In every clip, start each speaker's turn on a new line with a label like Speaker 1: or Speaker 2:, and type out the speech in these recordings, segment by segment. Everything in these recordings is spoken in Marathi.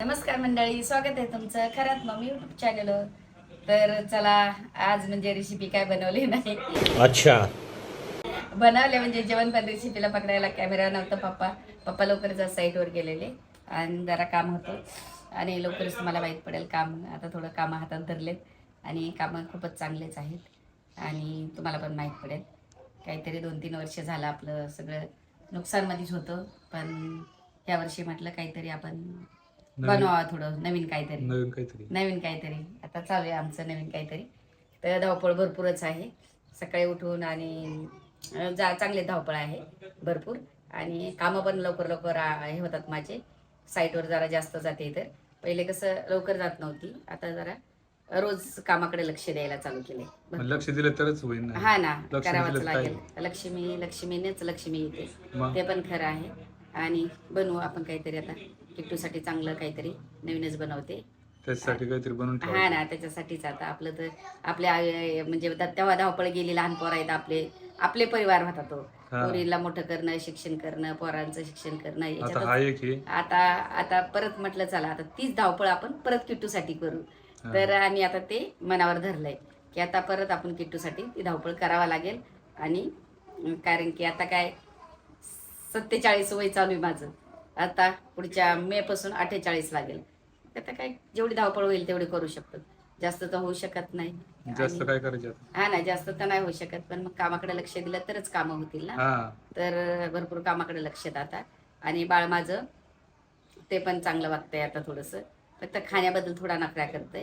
Speaker 1: नमस्कार मंडळी, स्वागत आहे तुमचं खरंच मम्मी युट्यूब चॅनल. तर चला, आज म्हणजे रेसिपी काय बनवली नाही.
Speaker 2: अच्छा.
Speaker 1: बनवले म्हणजे जेवण, पण रेसिपीला पकडायला कॅमेरा नव्हता. पप्पा लवकरच साईटवर गेलेले आणि जरा काम होतं आणि लवकरच तुम्हाला माहीत पडेल काम. आता थोडं कामं हातात धरलेत आणि कामं खूपच चांगलेच आहेत आणि तुम्हाला पण माहीत पडेल. काहीतरी 2-3 वर्ष झालं आपलं सगळं नुकसानमध्येच होतं, पण यावर्षी म्हटलं काहीतरी आपण बनवा, थोडं नवीन काहीतरी आता चालू आहे आमचं नवीन काहीतरी. तर धावपळ भरपूरच आहे सकाळी उठून आणि चांगले धावपळ आहे भरपूर आणि कामं पण लवकर हे होतात माझे. साईटवर जरा जास्त जाते. तर पहिले कसं लवकर जात नव्हती, आता जरा रोज कामाकडे लक्ष द्यायला चालू केले.
Speaker 2: लक्ष दिलं तरच होईल ना.
Speaker 1: हा ना, करावंच लागेल. लक्ष्मीनेच लक्ष्मी येते, ते पण खरं आहे. आणि बनवू आपण काहीतरी आता किट्टूसाठी चांगलं काहीतरी नवीनच बनवते.
Speaker 2: त्याच्यासाठी काहीतरी बनवून
Speaker 1: हा ना, त्याच्यासाठीच आता आपलं तर आपल्या म्हणजे तेव्हा धावपळ गेली. लहान पोरं आहेत आपले परिवार होता तो. पोरीला मोठं करणं, शिक्षण करणं, पोरांचं शिक्षण करणं, याच्यात आता परत म्हटलं चला आता तीच धावपळ आपण परत किट्टूसाठी करू. तर आम्ही आता ते मनावर धरलंय की आता परत आपण किट्टूसाठी ती धावपळ करावा लागेल. आणि कारण की आता काय 47 वय चालू आहे माझं. आता पुढच्या मे पासून 48 लागेल. आता काय जेवढी धावपळ होईल तेवढी करू शकतो, जास्त तर होऊ शकत नाही.
Speaker 2: जास्त काय करायचं.
Speaker 1: हा ना, जास्त तर नाही होऊ शकत, पण मग कामाकडे लक्ष दिलं तरच कामं होतील ना. तर भरपूर कामाकडे लक्ष देत आता. आणि बाळ माझं ते पण चांगलं वागतंय आता. थोडंसं फक्त खाण्याबद्दल थोडा नखरा करतंय.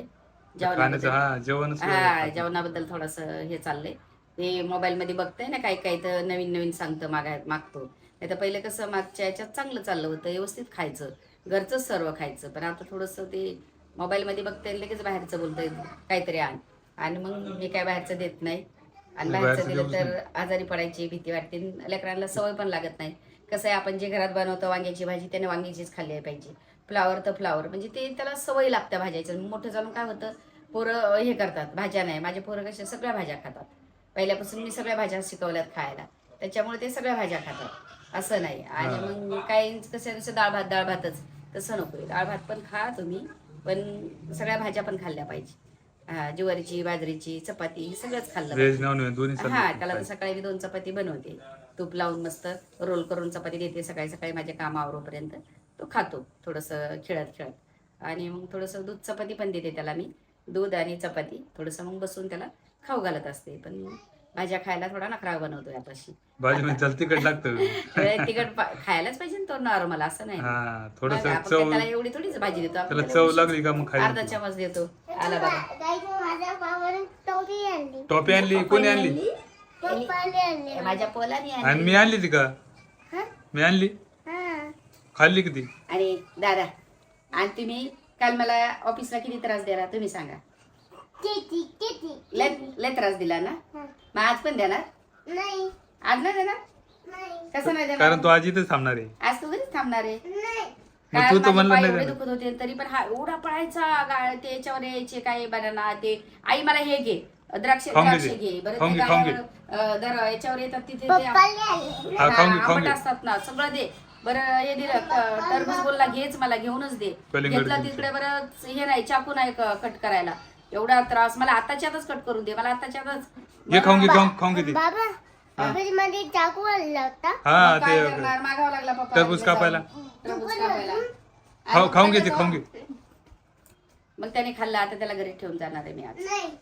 Speaker 1: जेवणाबद्दल थोडंसं हे चाललंय. ते मोबाईलमध्ये बघतंय ना, काही तर नवीन सांगतं, मागतो. नाही तर पहिले कसं मागच्या याच्यात चांगलं चाललं होतं, व्यवस्थित खायचं, घरचंच सर्व खायचं. पण आता थोडंसं ते मोबाईलमध्ये बघतंय, लगेच बाहेरचं बोलतंय काहीतरी आणि मग मी काय बाहेरचं देत नाही. आणि बाहेरचं दिलं तर आजारी पडायची भीती वाटते, लेकरांना सवय पण लागत नाही. कसं आहे, आपण जे घरात बनवतो वांग्याची भाजी, त्याने वांग्याचीच खाल्ली पाहिजे. फ्लावर तर फ्लावर, म्हणजे ते त्याला सवय लागते भाज्याचं. मोठं जाऊन काय होतं, पोरं हे करतात, भाज्या नाही. माझे पोरं कसे सगळ्या भाज्या खातात. पहिल्यापासून मी सगळ्या भाज्या शिकवल्यात खायला, त्याच्यामुळे ते सगळ्या भाज्या खातात, असं नाही. आणि मग काही कसं डाळ भातच, तसं नको. डाळ भात पण खा तुम्ही, पण सगळ्या भाज्या पण खाल्ल्या पाहिजे. ज्वारीची, बाजरीची, चपाती, हे सगळंच खाल्लं पाहिजे. त्याला तर सकाळी मी 2 चपाती बनवते, तूप लावून मस्त रोल करून चपाती देते सकाळी माझ्या कामावरोपर्यंत. तो खातो थोडंसं खेळत. आणि मग थोडंसं दूध चपाती पण देते त्याला मी. दूध आणि चपाती थोडंसं मग बसून त्याला खाऊ घालत असते. पण भाज्या खायला थोडा नखरा बनवतोय आताशी.
Speaker 2: तिखट लागतं.
Speaker 1: तिखट खायलाच पाहिजे ना, तो नॉर्मल असं नाही. आपण त्याला एवढी थोडीच भाजी देतो, आपण अर्धा चमच देतो. आला बघा,
Speaker 2: टोपी आणली. कोणी आणली?
Speaker 1: माझ्या पोलाने
Speaker 2: आणि मी आणली ती का? मी आणली, खाल्ली किती?
Speaker 1: आणि दादा, आणि तुम्ही काल मला ऑफिसला किती त्रास दिला तुम्ही सांगा. लय त्रास दिला ना, मग आज पण देणार? आज नाही देणार? कसं नाही देणार?
Speaker 2: कारण तू आज इथेच थांबणार आहे.
Speaker 1: आज तू घरीच थांबणार आहे.
Speaker 2: तू तर म्हणलं नाही
Speaker 1: दुखत होते तरी पण हा एवढा पळायचा. त्याच्यावर यायचे काय बनाना, ते आई मला हे घे, द्राक्ष घे बरं. याच्यावर येतात तिथे आंबट असतात ना, सगळं दे बरं. हे दिलं टरबूज, बोलला घेच, मला घेऊनच दे. घेतला तिकडे बरं, हे नाही, चाकू नाही कट करायला. एवढा त्रास. मला आताच्या आताच कट करून दे, मला आताच्या आताच. मागावं लागला पप्पा
Speaker 2: टरबूज कापायला. खाऊन घे.
Speaker 1: मग त्याने खाल्ला, आता त्याला घरी ठेवून जाणार आहे मी आज.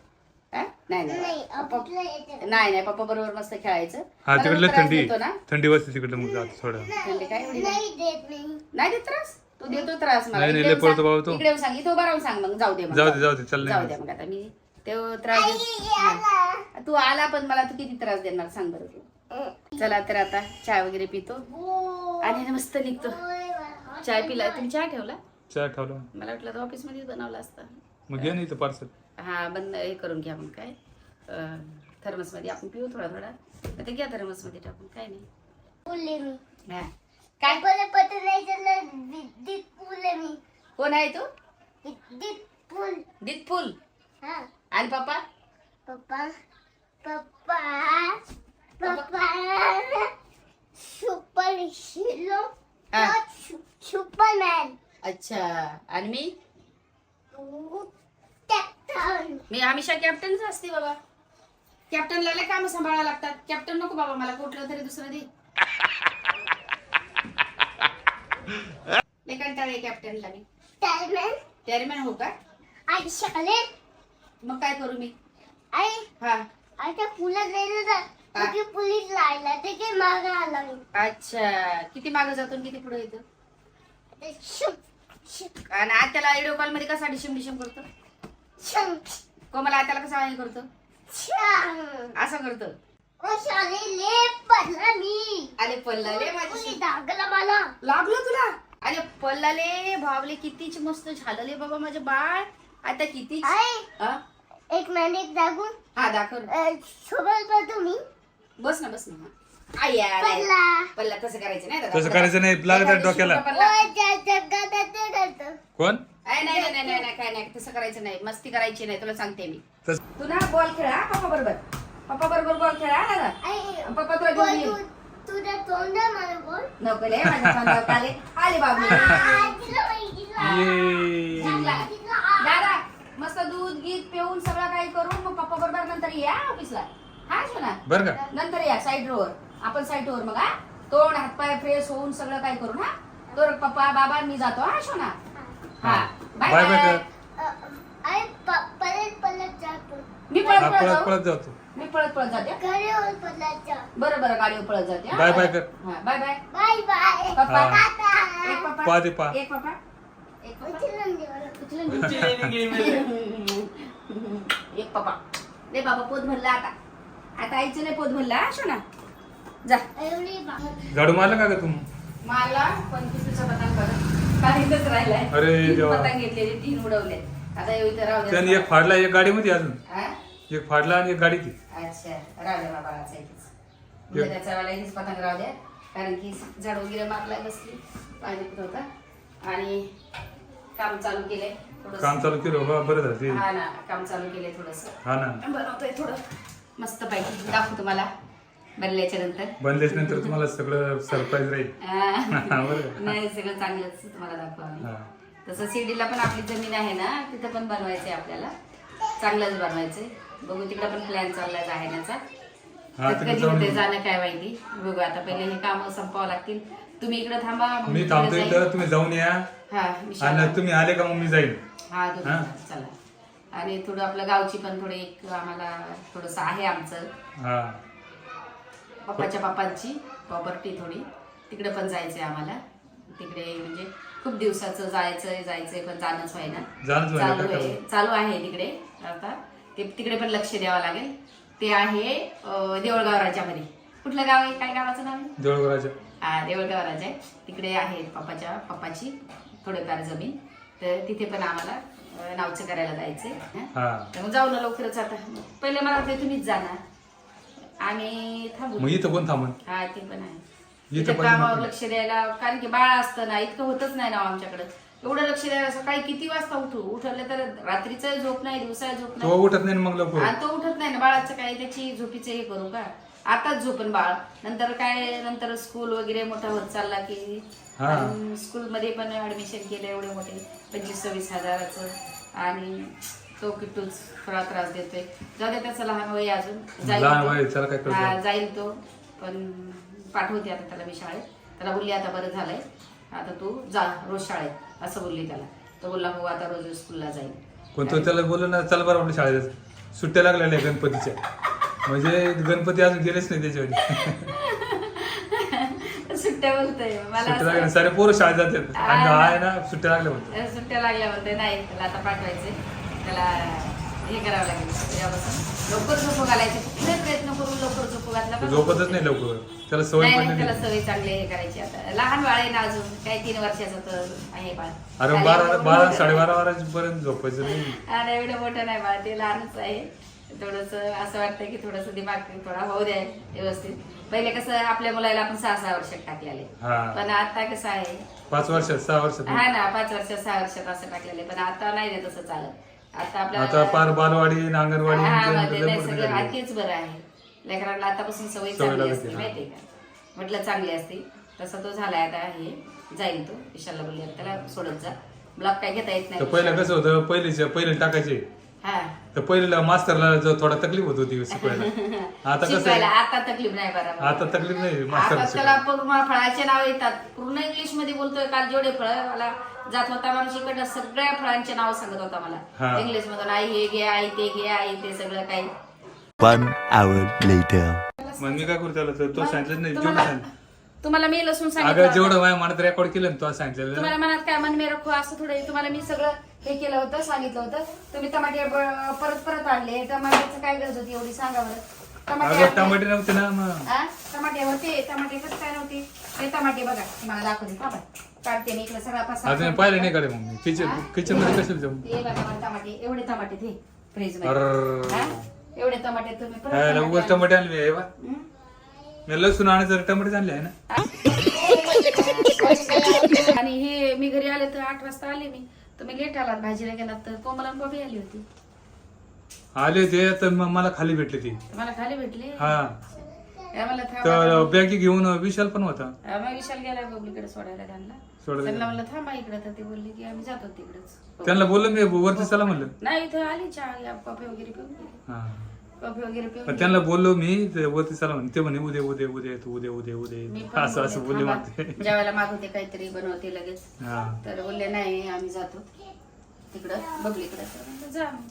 Speaker 1: नाही पप्पा बरोबर मस्त खेळायचं.
Speaker 2: तिकडलं थंडी वाजते तिकडलं, मग जातो थोडं.
Speaker 1: थंडी काय नाही देत त्रास. तू देतो त्रास मला.
Speaker 2: इकडे
Speaker 1: सांग, इथं उभा राहून सांग. मग जाऊ दे
Speaker 2: चल.
Speaker 1: जाऊ दे मग. आता मी तो त्रास तू आला, पण मला तू किती त्रास देणार सांग बरं तू. चला तर आता चहा वगैरे पितो आणि मस्त निघतो. चाय पिला तुम्ही? चहा ठेवला?
Speaker 2: चहा ठेवला.
Speaker 1: मला वाटलं तर ऑफिस मध्येच बनवला असता.
Speaker 2: मग घे नाही तर पार्सल.
Speaker 1: हा, बंद हे करून घ्या मग. काय थर्मस मध्ये आपण पिऊ थोडा. ते घ्या थर्मस मध्ये टाकून. काय नाही. काय कोण आहे तू? दितफुल. आणि पप्पा? अच्छा. आणि मी हमेशा कॅप्टनच असते बाबा. कॅप्टनला लय काम सांभाळायला लागतात. कॅप्टन नको बाबा मला, कुठलं तरी दुसरं दे. लय कंटाळा आहे कॅप्टनला मी. टॅरीमॅन हो का? मग काय करू मी? हा. अच्छा, किती मागं जातो किती पुढे येतो? आणि आत्याला व्हिडिओ कॉल मध्ये कसा डिशम डिशम करतो? कोमला आत्याला कसा हे करतो? असं करतो. अरे पल्लाले माझी लागलो तुला. अरे पल्लाले भावले कितीच मस्त झालं बाबा माझं बाळ. आता किती
Speaker 3: एक मिनिट दाखवून.
Speaker 1: हा दाखव.
Speaker 3: सोबत करतो मी.
Speaker 1: बस ना बस ना. पल्ला तसं करायचं नाही दादा.
Speaker 2: तसं करायचं नाही, लागत डोक्याला. कोण?
Speaker 1: नाही नाही नाही नाही काय नाही, तसं करायचं नाही. मस्ती करायची नाही, तुला सांगते मी.
Speaker 2: तस-
Speaker 1: तू ना बॉल खेळा पप्पा बरोबर. पप्पा बरोबर बॉल खेळा दादा. पप्पा तुला घेऊन येईल.
Speaker 3: तुझ्या तोंड मला बोल.
Speaker 1: नको ले माझ्या तोंडावर आले. आले बाबू.
Speaker 2: ये.
Speaker 1: दादा मस्त दूध गीत पिऊन सगळं काही करून मग पप्पा बरोबर नंतर या ऑफिसला. हा शोना
Speaker 2: बर का?
Speaker 1: नंतर या साईड रोवर. आपण साईड रोवर मग. हा तोंड हातपाय फ्रेश होऊन सगळं काही करून. हा तर पप्पा बाबा मी जातो. हा शोना. हा बाय
Speaker 2: बाय बाय
Speaker 1: बाय.
Speaker 2: कर.
Speaker 3: पलट जातो.
Speaker 1: मी
Speaker 2: हा,
Speaker 1: पळत
Speaker 2: पळत
Speaker 1: जातो.
Speaker 2: पळत जातो.
Speaker 1: मी पळत पळत जाते.
Speaker 3: घरीवर पलट जा.
Speaker 1: बरं बरं गाडीवर पळत जाते. हा?
Speaker 2: बाय बाय कर.
Speaker 1: हा बाय बाय.
Speaker 3: Bye bye.
Speaker 1: पप्पा
Speaker 2: हा.
Speaker 1: एक पप्पा
Speaker 2: पा दे पा.
Speaker 1: एक पप्पा एक पप्पा
Speaker 3: उचलून दे मला.
Speaker 1: एक पप्पा दे बाबा. पोत भरला आता. आता आईचं नाही पोत भरला. हा शोना जा.
Speaker 3: एवढी बाहेर.
Speaker 2: झाडू मारलं का ग तू?
Speaker 1: मला 25चा पतंग बघा काहीच राहिलाय.
Speaker 2: अरे
Speaker 1: तीन
Speaker 2: देवा.
Speaker 1: पतंग घेतलेले 3 उडवले. आता इथं राहू
Speaker 2: त्याने
Speaker 1: द्या.
Speaker 2: एक फाडला, एक गाडीमध्ये अजून
Speaker 1: हा?
Speaker 2: एक फाडला आणि एक गाडी ती.
Speaker 1: अच्छा राहू द्या बाबाचा इथेच. म्हणजे त्याचा वेळेला इथेच पतंग राहू द्या. कारण की झाड वगैरे मारला बसली पाणी पित होता आणि काम चालू केलंय थोडंसं.
Speaker 2: काम चालू केलं बा, बरं झालं ते.
Speaker 1: हा ना काम चालू केलंय थोडस.
Speaker 2: हा ना.
Speaker 1: बनवतोय थोडं मस्त पैकी. दाखवतो तुम्हाला बनल्याच्या नंतर.
Speaker 2: बनल्याच नंतर तुम्हाला सगळं सरप्राईज राहील. बरं का?
Speaker 1: नाही सगळं चांगलंच तुम्हाला दाखवा.
Speaker 2: हा.
Speaker 1: तसं शिर्डीला पण आपली जमीन आहे ना, तिथं पण बनवायचंय आपल्याला. चांगलंच बनवायचंय. बघू तिकडे पण प्लॅन चाललाय जाण्याचा.
Speaker 2: हा,
Speaker 1: तर
Speaker 2: तिकडे
Speaker 1: कधी
Speaker 2: जाऊन
Speaker 1: होते जाणं काय माहिती. बघू आता पहिले हे काम संपवावं लागतील. तुम्ही इकडे थांबा मग
Speaker 2: मी
Speaker 1: तिकडे
Speaker 2: थांबतो
Speaker 1: जाईन.
Speaker 2: इथं, तुम्ही जाऊन या.
Speaker 1: हा मी शाळा-
Speaker 2: आणि तुम्ही आले का मग मी जाईल.
Speaker 1: हा तुम्ही
Speaker 2: हा.
Speaker 1: चला. आणि थोडं आपलं गावची पण थोडी एक आम्हाला थोडस आहे आमचं.
Speaker 2: हा.
Speaker 1: पप्पांची प्रॉपर्टी थोडी तिकडे पण जायचंय आम्हाला. तिकडे म्हणजे खूप दिवसाचं जायचंय पण जाणंच व्हायना.
Speaker 2: जाणंच व्हायना,
Speaker 1: चालू
Speaker 2: काय
Speaker 1: आहे चालू आहे तिकडे. आता ते तिकडे पण लक्ष द्यावं लागेल. ते आहे देवळगाव राजामध्ये. कुठलं गाव आहे? काय गावाचं नाव आहे?
Speaker 2: देऊळघराच्या.
Speaker 1: हा देवळगाव राजा आहे. तिकडे आहे पप्पाची थोडीफार जमीन. तर तिथे पण आम्हाला नावचं करायला जायचंय.
Speaker 2: हा.
Speaker 1: तर मग जाऊ ना लवकरच. आता पहिले मला वाटतं तुम्हीच जाणार आणि थांबू.
Speaker 2: मग इथं कोण थांबन?
Speaker 1: हा ते पण आहे.
Speaker 2: इथं
Speaker 1: इथं
Speaker 2: पण
Speaker 1: कामावर
Speaker 2: नको.
Speaker 1: लक्ष द्यायला. कारण की बाळ असतं ना, इतकं होतच नाही ना आमच्याकडे. एवढं लक्ष द्यायला सकाळी किती वाजता उठवलं तर रात्रीचा झोप नाही, दिवसा झोप
Speaker 2: तो
Speaker 1: नाही.
Speaker 2: उठत नाही ना मग लवकर.
Speaker 1: आणि तो उठत नाही ना. बाळाचं काय त्याची झोपीचं हे करू का? आताच झोपन बाळ. नंतर काय नंतर स्कूल वगैरे मोठा होत चालला की
Speaker 2: हा.
Speaker 1: स्कूलमध्ये पण ऍडमिशन केलं एवढे मोठे 25-26 हजाराचं. आणि तो किट्टूच थोडा त्रास देतोय. जाऊ दे त्याचं लहान वय अजून.
Speaker 2: लहान
Speaker 1: तो.
Speaker 2: वय, त्याला काय कळतं?
Speaker 1: हा, जाईल तो. पण पाठवते आता त्याला मी शाळेत. त्याला बोलली आता बरं झालंय, आता तू जा रोज शाळेत असं बोलली त्याला. तो बोलला हो आता रोज स्कूलला जाईल.
Speaker 2: पण तो त्याला बोललो ना, चल बरं आपल्या शाळेत. सुट्ट्या लागलेल्या आहे गणपतीच्या. म्हणजे गणपती अजून गेलेच नाही त्याच्यावर.
Speaker 1: सुट्ट्या बोलतोय मला
Speaker 2: सुट्ट्या
Speaker 1: असं-
Speaker 2: लागल्या, सारे पोरं शाळेत जातात. आणि
Speaker 1: हा.
Speaker 2: हा आहे ना सुट्ट्या लागल्या म्हणतो.
Speaker 1: सुट्ट्या लागल्या म्हणते. नाही त्याला आता पाठवायचे. त्याला हे करावं लागेल तेव्हापासून लवकर झोपू घालायचे. पुढे प्रयत्न करून लवकर झोपू घातला
Speaker 2: तो
Speaker 1: का?
Speaker 2: झोपतच नाही लवकर. त्याला सवय
Speaker 1: नाही
Speaker 2: पडली
Speaker 1: नाही, त्याला
Speaker 2: नाही.
Speaker 1: सवय चांगली हे करायची. आता लहान बाळ आहे ना अजून. काय 3 वर्षाचं तर आहे बाळ.
Speaker 2: अरे
Speaker 1: आणि
Speaker 2: 12
Speaker 1: एवढं
Speaker 2: 12
Speaker 1: मोठं-
Speaker 2: 12:30 पर्यंत झोपायचं नाही.
Speaker 1: आणि एवढं मोठं नाही बाळ. ते लहानच आहे. थोडस असं वाटतं की थोडस दिमाग थोडा होऊ द्या व्यवस्थित. पहिले कसं आपल्या मुलाला आपण 6-6 वर्षात टाकलेले.
Speaker 2: हा.
Speaker 1: पण आता कसं आहे
Speaker 2: 5 वर्षात 6 वर्षात.
Speaker 1: हा ना 5 वर्षात 6 वर्षात असं टाकलेलं आहे. पण आता नाही रे तसं चालत. आता
Speaker 2: आता पार बालवाडी आणि अंगणवाडी
Speaker 1: हा,
Speaker 2: आणि
Speaker 1: मध्ये
Speaker 2: लय
Speaker 1: नाही
Speaker 2: मोठी
Speaker 1: सगळं
Speaker 2: झाली.
Speaker 1: तेच बरं आहे. लेकरांना आतापासून सवय
Speaker 2: सवय
Speaker 1: चांगली
Speaker 2: लागते,
Speaker 1: असते
Speaker 2: हा.
Speaker 1: माहितीये का? म्हटलं चांगली असते. तसं तो झालाय आता हे जाईल तो. विशालला बोलले त्याला सोडत जा, ब्लॉक काय घेता येत
Speaker 2: तर
Speaker 1: नाही.
Speaker 2: पहिलं कसं होतं, पहिले टाकायचे
Speaker 1: हा
Speaker 2: तर पहिल्याला मास्टरला जो थोडा तकलीफ होत होती शिकवायला. आता कसं
Speaker 1: शिकवायला
Speaker 2: आहे,
Speaker 1: आता तकलीफ नाही बरोबर.
Speaker 2: आता तकलीफ नाही
Speaker 1: आता
Speaker 2: मास्टरला
Speaker 1: त्याला
Speaker 2: शिकवायला.
Speaker 1: पूर्ण फळाचे नाव येतात, पूर्ण इंग्लिश मध्ये बोलतोय. काल जेवढे फळ मला जात होता माणूस इकडनं सगळ्या फळांचे नाव सांगत होता मला
Speaker 2: हा.
Speaker 1: इंग्लिश मधून. आई हे घे, आई ते घे, आई ते सगळं काही.
Speaker 4: 1 hour later.
Speaker 2: मग मी काय करू त्याला, तर तो सांगितलं नाही जेवढं
Speaker 1: तुम्हाला
Speaker 2: सांगितलं.
Speaker 1: तुम्हाला मी लसूण
Speaker 2: अगं
Speaker 1: सांगितलं
Speaker 2: जेवढं
Speaker 1: होतं.
Speaker 2: माझ्या मनात रेकॉर्ड केलं ना तो सांगितलेलं.
Speaker 1: तुम्हाला मनात काय मन मे रखो असं थोडं आहे. तुम्हाला मी सगळं हे केलं होतं, सांगितलं होतं. तुम्ही टमाटे परत आणले. टमाट्याचं काय गरज होती एवढी सांगा बरं. टमाटे
Speaker 2: अगं
Speaker 1: आणले.
Speaker 2: टमाटे नव्हते ना मग.
Speaker 1: हा? टमाटे होते, टमाटे कसं काय नव्हते. हे टमाटे बघा तुम्हाला दाखवते. थांबा. काढते मी इकडे सगळा पसारा.
Speaker 2: अजून पाहिलं नाही कडे मग मी किचन मध्ये कशाला जाऊ.
Speaker 1: हे बघा मला टमाटे, एवढे टमाटे ते फ्रीज मध्ये.
Speaker 2: अर्र.
Speaker 1: हा? एवढे टमाटे तुम्ही परत
Speaker 2: काय
Speaker 1: टमाटे
Speaker 2: उगाच टमाटे आणले आहे बा.
Speaker 1: आणले. हं?
Speaker 2: मी लसूण आणायचं टमाटे आणले आहे ना.
Speaker 1: आणि हे मी घरी आले तर 8 वाजता आले मी. तुम्ही लेट आलात भाजीला गेलात तर. कोमल आणि बॉबी आली होती.
Speaker 2: आले ते तर मग मला खाली भेटले ते.
Speaker 1: मला खाली भेटले.
Speaker 2: हा
Speaker 1: मला थांबा.
Speaker 2: तर बॅगी घेऊन विशाल पण होता.
Speaker 1: मग विशाल गेला बबलीकडे सोडायला त्यांना.
Speaker 2: सोडायला
Speaker 1: त्यांना म्हणलं थांबा इकडे, तर ते बोलले की आम्ही जातो तिकडेच.
Speaker 2: त्यांना बोललो मी वरती चला म्हणलं.
Speaker 1: नाही इथं आली चहा कॉफी वगैरे पिऊन गेली.
Speaker 2: हा
Speaker 1: कॉफी वगैरे पिऊन
Speaker 2: पण
Speaker 1: गेली.
Speaker 2: त्यांना बोललो मी ते वरती चला म्हणे. ते म्हणे उद्या उद्या उद्या येतो उद्या उद्या
Speaker 1: मी
Speaker 2: उद्या
Speaker 1: पण
Speaker 2: असं बोलले
Speaker 1: थांबा.
Speaker 2: मागते.
Speaker 1: जेवायला मागवते काहीतरी बनवते लगेच.
Speaker 2: हा
Speaker 1: तर बोलले नाही आम्ही जातो तिकडं बबलीकडे. तर म्हणलं, जा मग.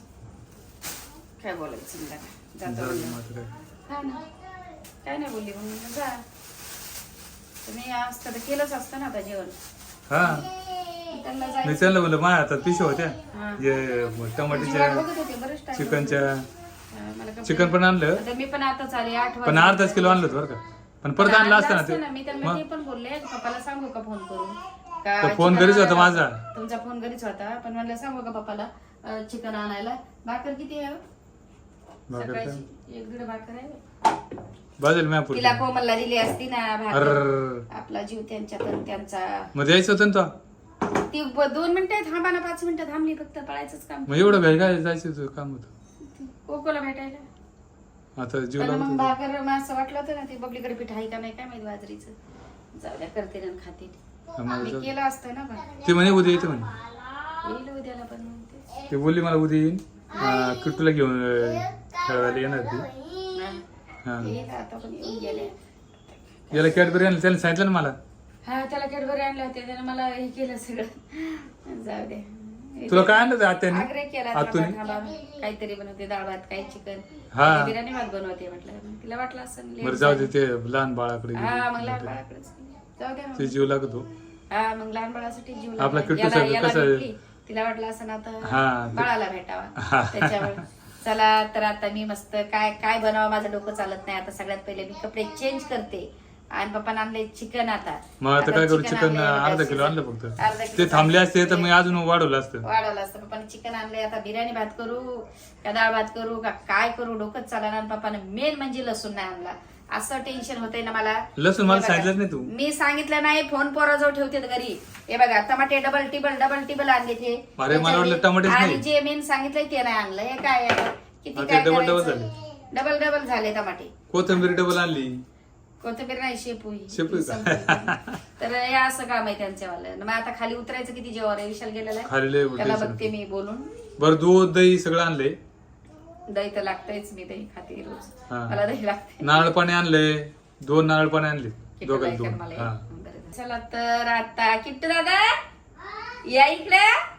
Speaker 1: काय बोलायचं समजा काय. जातो
Speaker 2: जाऊ दे
Speaker 1: म्हणलं.
Speaker 2: मग आता काय.
Speaker 1: हा ना. काय नाही बोलली मग म्हणलं, जा. तुम्ही असतं तर केलंच असतं ना आता जेवण.
Speaker 2: हा
Speaker 1: त्यांना
Speaker 2: मी
Speaker 1: जायचं.
Speaker 2: त्यांना बोललो माझ्या हातात पिशव्या होत्या
Speaker 1: हा.
Speaker 2: जे
Speaker 1: तुझी वाट
Speaker 2: टमाटीच्या
Speaker 1: बघत होते बरेच time.
Speaker 2: चिकनच्या
Speaker 1: मला कपडे-
Speaker 2: चिकन पण आणलं
Speaker 1: आता मी पण आताच आले 8
Speaker 2: पण अर्धाच किलो आणलं होतं बरं का. पण परत आणलं असतं ना ते.
Speaker 1: मी त्यांना
Speaker 2: मग
Speaker 1: ते पण बोलले पप्पाला सांगू का फोन करून का
Speaker 2: तर फोन
Speaker 1: चिकन
Speaker 2: घरीच होता
Speaker 1: आणायला?
Speaker 2: माझा.
Speaker 1: तुमचा फोन घरीच होता पण म्हणलं सांगू का पप्पाला चिकन आणायला. भाकर किती आहे हो?
Speaker 2: भाकर का?
Speaker 1: सकाळची 1-1.5 भाकर आहे.
Speaker 2: बाजूला मॅपूर
Speaker 1: तिला कोमलला दिली असती ना भाकर.
Speaker 2: अर
Speaker 1: आपला जीव त्यांचा.
Speaker 2: मग द्यायचं होतं ना तो.
Speaker 1: ती 2 मिनिटं थांबा ना, 5 मिनिटं थांबली फक्त. पळायचंच काम.
Speaker 2: मग एवढं घाई काय जायचं होतं काम होतं.
Speaker 1: कोकोला भेटायला.
Speaker 2: आता जीव
Speaker 1: पण मग
Speaker 2: लावतो.
Speaker 1: भाकर मग असं वाटलं होतं ना ती बबलीकडे पीठ आहे का नाही काय माहिती बाजरीचं. जाऊ द्या करते ना खाते.
Speaker 2: आम्हाला
Speaker 1: मी
Speaker 2: जाऊ.
Speaker 1: केलं असतं ना पण.
Speaker 2: ते म्हणे उद्या येते म्हणे.
Speaker 1: येईल उद्याला पण मग ते.
Speaker 2: ते बोलली मला उद्या येईन किट्टूला घेऊन खेळायला येणार ती. हा
Speaker 1: येईल आता पण येऊन गेले.
Speaker 2: याला कॅडबरी आणलं त्याला सांगितलं ना मला.
Speaker 1: हा त्याला कॅडबरी आणले होते त्याने मला हे केलं सगळं. जाऊ दे.
Speaker 2: तुला काय आणलं होतं आत्याने
Speaker 1: आग्रह केला
Speaker 2: आतून.
Speaker 1: थांबा, काहीतरी बनवते डाळ भात काही चिकन
Speaker 2: हा.
Speaker 1: बिर्याणी भात बनवते म्हटलं. मग तिला वाटलं असं
Speaker 2: बरं जाऊ दे ते लहान बाळाकडे
Speaker 1: हा मग लहान बाळाकडेच जाऊ द्या.
Speaker 2: ते जीव लागतो.
Speaker 1: हा मग लहान बाळासाठी जीव
Speaker 2: आपला
Speaker 1: लागला.
Speaker 2: किट्टू साहेब
Speaker 1: याला
Speaker 2: कसं-
Speaker 1: भेटली. तिला वाटलं असं ना आता
Speaker 2: हा.
Speaker 1: बाळाला भेटावा त्याच्यामुळे. चला तर आता मी मस्त काय काय बनावं माझं डोकं चालत नाही. आता सगळ्यात पहिले मी कपडे चेंज करते. आणि पप्पाने आणले चिकन आता.
Speaker 2: मग आता काय करू
Speaker 1: चिकन
Speaker 2: चिकन
Speaker 1: आणलंय,
Speaker 2: अर्धा किलो आणलं
Speaker 1: अर्धा
Speaker 2: फक्त.
Speaker 1: किलो
Speaker 2: ते थांबले असते तर मी अजून वाढवलं असतं.
Speaker 1: वाढवलं असतं. पप्पाने चिकन आणले. आता बिर्याणी भात करू का डाळ भात करू का काय करू डोकंच चालणार. आणि पप्पाने मेन म्हणजे लसूण नाही आणला. असं टेन्शन होतंय ना मला.
Speaker 2: लसूण मला
Speaker 1: हे बघा,
Speaker 2: सांगितलंच नाही तू.
Speaker 1: मी सांगितलं नाही. फोन पोराजवळ ठेवते घरी. हे बघा टमाटे डबल टिबल आणले ते.
Speaker 2: अरे, मला वाटलं टमाटेच
Speaker 1: आणि
Speaker 2: नाही.
Speaker 1: जे मेन सांगितलंय ते नाही आणलं. हे काय आहे? किती
Speaker 2: हा, ते
Speaker 1: काय
Speaker 2: डबल
Speaker 1: करायचं? डबल झाले टमाटे.
Speaker 2: कोथिंबीर डबल आणली.
Speaker 1: कोथिंबीर नाही शेपू
Speaker 2: शेपू का?
Speaker 1: तर हे असं काम आहे त्यांच्यावालं. मग आता खाली उतरायचं किती जेव्हा आहे. विशाल गेलेला आहे.
Speaker 2: खाली लय
Speaker 1: त्याला
Speaker 2: tension.
Speaker 1: बघते मी बोलून.
Speaker 2: बरं दूध दही सगळं आणले.
Speaker 1: दही तर लागतंयच. मी दही खाते रोज.
Speaker 2: हा.
Speaker 1: मला दही लागते.
Speaker 2: नारळ पाणी आणले. 2 नारळ पाणी आणले. दोघांना
Speaker 1: किट्टू
Speaker 2: 2.
Speaker 1: मला
Speaker 2: हा
Speaker 1: एक. बरं. चला तर आता किट्टू दादा या इकडे.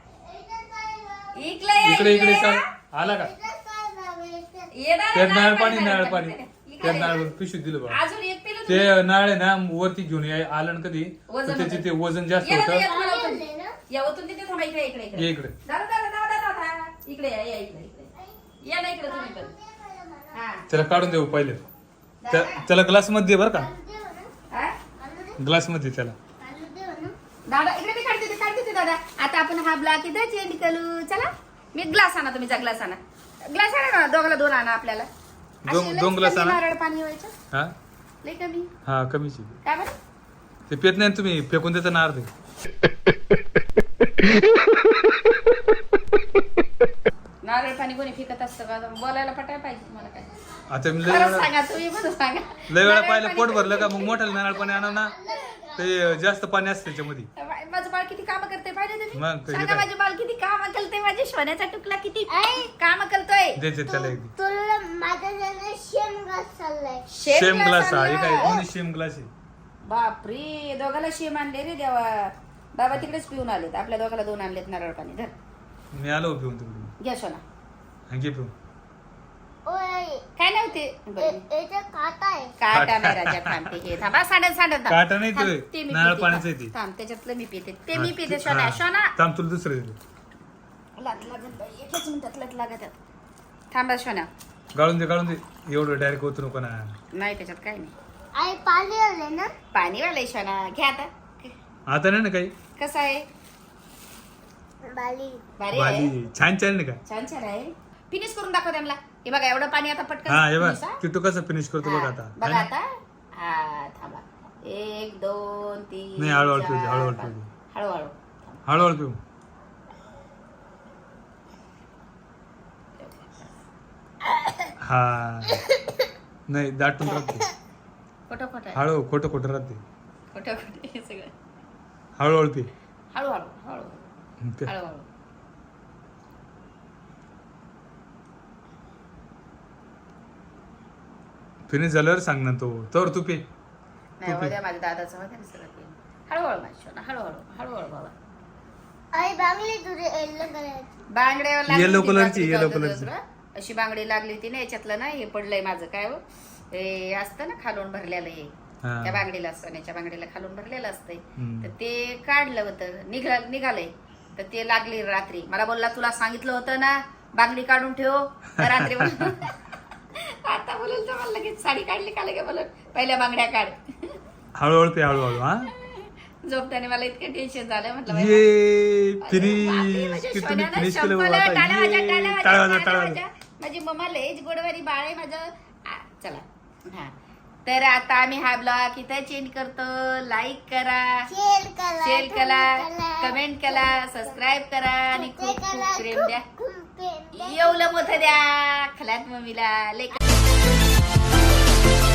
Speaker 2: इकडे चाल. आला का
Speaker 1: ये दादा,
Speaker 2: त्यात नारळ
Speaker 1: पाणी,
Speaker 2: पाणी नारळ पाणी
Speaker 1: इकडे
Speaker 2: त्यात
Speaker 1: ये.
Speaker 2: नारळ पिशवीत दिलं बा.
Speaker 1: अजून एक पिलं
Speaker 2: ते
Speaker 1: तुम्ही?
Speaker 2: नारळ आहे ना वरती घेऊन आलं ना कधी
Speaker 1: वजन
Speaker 2: तर त्याचे
Speaker 1: होतं.
Speaker 2: ते वजन जास्त
Speaker 1: ये दादा,
Speaker 2: होतं.
Speaker 1: या तुम्हाला ओतून. या ओतून तिथे थांबा. इकडे इकडे
Speaker 2: ये इकडे.
Speaker 1: दादा दादा दादा दादा इकडे या इकडे या ना इकडे तुम्ही पण. हा
Speaker 2: त्याला काढून देऊ पहिले. त्याला ग्लास मध्ये दे बरं का.
Speaker 1: हा?
Speaker 2: ग्लास मध्ये त्याला.
Speaker 1: दादा इकडे मी काढते दादा. आता आपण हा ब्लॉक इथं चेंज करू. चला मी ग्लास आणा. तुम्ही जा ग्लास आणा. ग्लास आणा ना. दोघाला 2 आणा आपल्याला.
Speaker 2: दोन-
Speaker 1: अशी
Speaker 2: दोन
Speaker 1: लई
Speaker 2: glass
Speaker 1: कमी
Speaker 2: आणा.
Speaker 1: नारळ पाणी व्हायचं.
Speaker 2: हा
Speaker 1: लई कमी.
Speaker 2: हा कमीची.
Speaker 1: काय बरं?
Speaker 2: ते पेत नाही ना तुम्ही फेकून देता ना अर्धे.
Speaker 1: नारळ पाणी कोणी फेकत असतं का? बोलायला पटाय पाहिजे तुम्हाला काय.
Speaker 2: आता मी लय
Speaker 1: खरं
Speaker 2: वेळा
Speaker 1: सांगा तुम्ही पण सांगा.
Speaker 2: लय वेळा
Speaker 1: नारळ
Speaker 2: पाहिलं
Speaker 1: पाणी
Speaker 2: पोट भरलं का मग मोठ्याला नारळ पाणी आणा ना. ते जास्त पाणी असतं त्याच्यामध्ये.
Speaker 1: माझं बाळ किती काम करते पाहिजे
Speaker 2: मग
Speaker 1: तुम्ही
Speaker 2: कधी
Speaker 1: सांगा
Speaker 2: काय?
Speaker 1: माझे बाळ किती काम करते माझ्या सोन्याचा टुकला किती
Speaker 3: आई,
Speaker 1: काम करतोय
Speaker 2: द्यायचे त्याला एक
Speaker 3: तुला माझ्या जण शेम घास चाललाय.
Speaker 2: शेम ग्लास आहे
Speaker 1: आणलाय.
Speaker 2: काय दोन्ही शेम ग्लास आहे.
Speaker 1: बापरे दोघाला शेम आणले रे देवा. बाबा तिकडेच पिऊन आलेत आपल्या दोघाला 2 आणलेत नारळ पाणी धर
Speaker 2: मी आलो पिऊन तिकडून
Speaker 1: घ्या सोना
Speaker 2: आणखी पिऊन.
Speaker 3: ओय,
Speaker 1: काय नव्हते बरं.
Speaker 3: याच्यात काटा आहे.
Speaker 1: काटा नाही राजा थांबते हे थांबा सांडत थांब.
Speaker 2: काटा नाही
Speaker 1: थांब,
Speaker 2: ते,
Speaker 1: ते मी
Speaker 2: नारळ
Speaker 1: पिते,
Speaker 2: पाण्याचं
Speaker 1: थांब.
Speaker 2: आहे ते.
Speaker 1: थांब त्याच्यातलं मी पिते ते मी
Speaker 2: हा,
Speaker 1: पिते
Speaker 2: ते-
Speaker 1: सोना
Speaker 2: हा.
Speaker 1: सोना
Speaker 2: थांब तुला दुसरं देतो.
Speaker 1: लागत बाई एकच मिनिटात लग लागत थांबा सोना
Speaker 2: गाळून दे एवढं डायरेक्ट होतो नको ना.
Speaker 1: नाही त्याच्यात काय नाही
Speaker 3: आई पाणी आले ना.
Speaker 1: पाणी वालाय सोना घ्या आता
Speaker 2: आता नाही ना काही
Speaker 1: कसं आहे
Speaker 3: बाली.
Speaker 1: भारी आहे
Speaker 2: भाजी छान छान नाही का.
Speaker 1: छान छान आहे फिनिश करून दाखव त्यांना हे बघा एवढं पाणी आता पटकन
Speaker 2: हा हे बघ
Speaker 1: finish, हा?
Speaker 2: किट्टू कसं फिनिश करतो बघ
Speaker 1: हा,
Speaker 2: आता.
Speaker 1: बघा
Speaker 2: है
Speaker 1: आता हा थांबा 1 2 3
Speaker 2: नाही, हळूहळू
Speaker 1: 4,
Speaker 2: पिऊ दे, हळूहळू
Speaker 1: 5.
Speaker 2: पिऊ दे.
Speaker 1: हळूहळू
Speaker 2: ना? हळूहळू पिऊ. हा नाही दाटून राहते.
Speaker 1: खोटं खोटं आहे.
Speaker 2: हळू खोटं राहते.
Speaker 1: खोटं खोटं हे सगळं
Speaker 2: हळूहळू पी.
Speaker 1: हळूहळू हळूहळू
Speaker 2: पे.
Speaker 1: हळूहळू
Speaker 2: फिनिश झाल्यावर सांग ना तो तर तू पे.
Speaker 1: नाही
Speaker 2: तू पी.
Speaker 1: उद्या माझ्या दादाचं होतं ना सगळं ते. हळूहळू माझी सोना हळूहळू हळूहळू बाबा
Speaker 3: आई बांगली तुझे येल्लो करायची.
Speaker 1: बांगड्यावर लागली
Speaker 2: Yellow
Speaker 1: होती
Speaker 2: कलरची,
Speaker 1: रात्री
Speaker 2: yellow
Speaker 1: चौथ्या
Speaker 2: कलरची.
Speaker 1: दिवसभर. अशी बांगडी लागली होती ना याच्यातलं ना हे पडलंय माझं काय हो हे असतं ना खालून भरलेलं हे
Speaker 2: हा.
Speaker 1: त्या बांगडीला सोन्याच्या बांगडीला खालून भरलेलं असतंय
Speaker 2: हम्म.
Speaker 1: तर ते काढलं होतं निघालंय तर ते लागली रात्री मला बोलला तुला सांगितलं होतं ना बांगडी काढून ठेव तर रात्री आता बोलल तर मला लगेच साडी काढली का लगे बोलत पहिल्या बांगड्या काढ
Speaker 2: हळूहळू पे हळूहळू हा.
Speaker 1: झोपताना मला इतकं टेन्शन झालं म्हटलं बाई,
Speaker 2: ये
Speaker 1: बापरे,
Speaker 2: फिनिश
Speaker 1: माझ्या
Speaker 2: की तुम्ही
Speaker 1: सोन्यानं
Speaker 2: फिनिश केलं
Speaker 1: संपलं.
Speaker 2: बाबा आता.
Speaker 1: टाळ्या वाजवा,
Speaker 2: ये,
Speaker 1: टाळ्या वाजवा,
Speaker 2: टाळ्या वाजवा,
Speaker 1: टाळ्या
Speaker 2: टाळ्या
Speaker 1: वाजवा.
Speaker 2: वाजवा.
Speaker 1: माझी मम्मा लयच गोडवारी बाळ आहे माझं चला हा तर आता आम्ही हा ब्लॉग इथं चेंज करतो लाईक करा
Speaker 3: शेअर करा.
Speaker 1: शेअर करा
Speaker 3: करा.
Speaker 1: कमेंट करा सबस्क्राईब करा आणि
Speaker 3: ते
Speaker 1: खूप
Speaker 3: करा,
Speaker 1: खूप प्रेम द्या
Speaker 3: खूप प्रेम द्या.
Speaker 1: एवढं मोठं द्या खलात मम्मीला लय